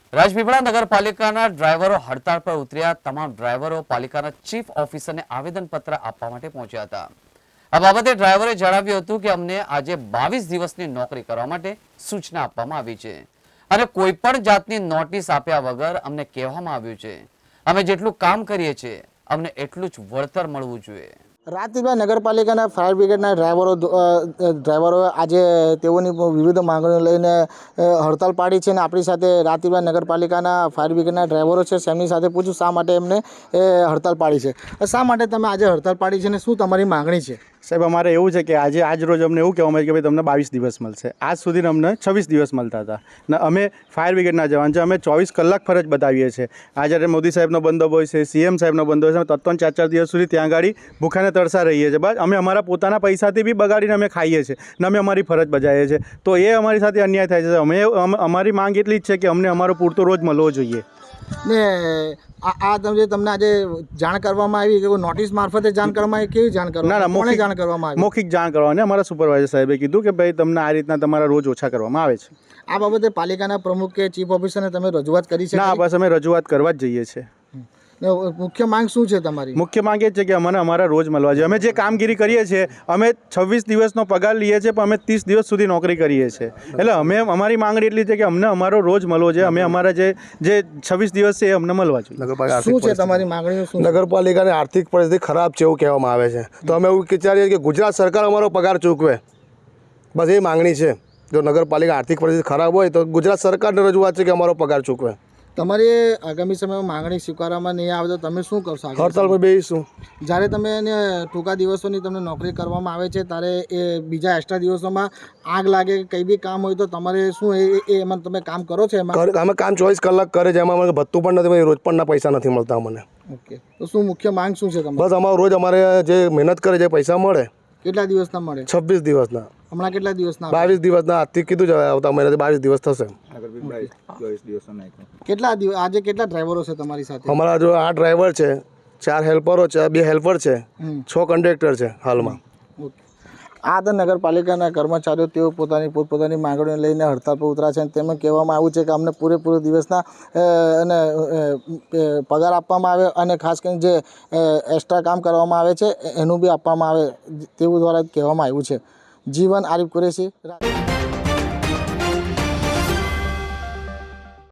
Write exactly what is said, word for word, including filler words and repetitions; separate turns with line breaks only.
રાજપીપળા નગરપાલિકાના ડ્રાઈવરો હડતાળ પર ઉતર્યા। તમામ ડ્રાઈવરો પાલિકાના ચીફ ઓફિસરને આવેદનપત્ર આપવા માટે પહોંચ્યા હતા। આ બાબતે ડ્રાઈવરે જણાવ્યું હતું કે અમને આજે બાવીસ દિવસની નોકરી કરવા માટે સૂચના આપવામાં આવી છે અને કોઈ પણ જાતની નોટિસ આપ્યા વગર અમને કહેવામાં આવ્યું છે અમે જેટલું કામ કરીએ છીએ અમને એટલું જ વળતર મળવું જોઈએ।
રાજપીપળા નગરપાલિકાના ફાયર બ્રિગેડના ડ્રાઈવરો ડ્રાઈવરોએ આજે તેઓની વિવિધ માંગણીઓ લઈને હડતાલ પાડી છે અને આપણી સાથે રાજપીપળા નગરપાલિકાના ફાયર બ્રિગેડના ડ્રાઈવરો છે તેમની સાથે પૂછું શા માટે એમને હડતાલ પાડી છે। શા માટે તમે આજે હડતાલ પાડી છે અને શું તમારી માંગણી છે?
સાહેબ, અમારે એવું છે કે આજે આજ રોજ અમને એવું કહેવામાં આવ્યું કે ભાઈ તમને બાવીસ દિવસ મળશે। આજ સુધી અમને છવ્વીસ દિવસ મળતા હતા ને અમે ફાયર બ્રિગેડના જવાન છે, અમે ચોવીસ કલાક ફરજ બતાવીએ છીએ। આજે જ્યારે મોદી સાહેબનો બંદોબસ્ત હોય છે, સીએમ સાહેબનો બંદોબસ્ત હોય છે, ત્રણ ચાર ચાર દિવસ સુધી ત્યાં ગાડી ભૂખાને તરસા રહીએ છીએ। બસ અમે અમારા પોતાના પૈસાથી બી બગાડીને અમે ખાઈએ છીએ ને અમે અમારી ફરજ બજાવીએ છીએ, તો એ અમારી સાથે અન્યાય થાય છે। અમે અમારી માંગ એટલી જ છે કે અમને અમારો પૂરતો રોજ મળવો જોઈએ।
ને આ આ તમને તમને આજે જાણ કરવામાં આવી કે નોટિસ મારફતે જાણ કરવામાં આવી? કેવી જાણ કરવામાં?
ના ના, મૌખિક
જાણ કરવામાં આવી?
મૌખિક જાણ કરવાની। અમારા સુપરવાઇઝર સાહેબે કીધું કે ભાઈ તમને આ રીતના તમારા રોજ ઓછા કરવામાં આવે છે।
આ બાબતે પાલિકાના પ્રમુખ કે ચીફ ઓફિસરને તમે રજૂઆત કરી છે?
ના, બસ અમે રજૂઆત કરવા જ જઈએ છીએ।
મુખ્ય માંગ શું છે તમારી?
મુખ્ય માંગ એ જ છે કે અમને અમારા રોજ મળવા જોઈએ। અમે જે કામગીરી કરીએ છીએ અમે છવ્વીસ દિવસનો પગાર લઈએ છીએ પણ અમે ત્રીસ દિવસ સુધી નોકરી કરીએ છીએ, એટલે અમે અમારી માંગણી એટલી છે કે અમને અમારો રોજ મળવો જોઈએ। અમે અમારા જે જે છવ્વીસ દિવસ છે એ અમને મળવા જોઈએ।
શું છે તમારી માંગણીઓ? શું?
નગરપાલિકાની આર્થિક પરિસ્થિતિ ખરાબ છે એવું કહેવામાં આવે છે, તો અમે એવું વિચારીએ કે ગુજરાત સરકાર અમારો પગાર ચૂકવે, બસ એ માંગણી છે। જો નગરપાલિકા આર્થિક પરિસ્થિતિ ખરાબ હોય તો ગુજરાત સરકારને રજૂઆત છે કે અમારો પગાર ચૂકવે।
તમારી આગામી સમયમાં માંગણી સ્વીકારવામાં નહીં આવે તો તમે શું કરશો?
હડતાલ પર બેસીશું।
જ્યારે તમે એને ટૂંકા દિવસોની તમને નોકરી કરવામાં આવે છે ત્યારે એ બીજા એક્સ્ટ્રા દિવસોમાં આગ લાગે કે કંઈ બી કામ હોય તો તમારે શું એ એ એમાં તમે કામ કરો છો? એમાં
અમે કામ ચોવીસ કલાક કરે છે, એમાં અમને ભથ્થું પણ નથી, રોજ પણના પૈસા નથી મળતા અમને।
ઓકે, તો શું મુખ્ય માંગ શું છે તમારી?
બસ અમારો રોજ અમારે જે મહેનત કરે છે પૈસા મળે।
કેટલા દિવસના મળે?
છવ્વીસ દિવસના।
હમણાં કેટલા દિવસના?
બાવીસ દિવસના આજથી કીધું છે, આવતા મહિનાથી બાવીસ દિવસ થશે।
કેટલા દિવસ આજે કેટલા ડ્રાઈવરો છે તમારી સાથે?
અમારા જો આઠ ડ્રાઈવર છે, ચાર હેલ્પરો છે, બે હેલ્પર છે, છ કંડક્ટર છે હાલમાં।
આ તો નગરપાલિકાના કર્મચારીઓ તેઓ પોતાની પોતપોતાની માંગણીઓ લઈને હડતાળ પર ઉતર્યા છે અને તેમાં કહેવામાં આવ્યું છે કે અમને પૂરેપૂરો દિવસના અને પગાર આપવામાં આવે અને ખાસ કરીને જે એક્સ્ટ્રા કામ કરવામાં આવે છે એનું બી આપવામાં આવે તેવું દ્વારા કહેવામાં આવ્યું છે। જીવન આરિફ કુરેશી।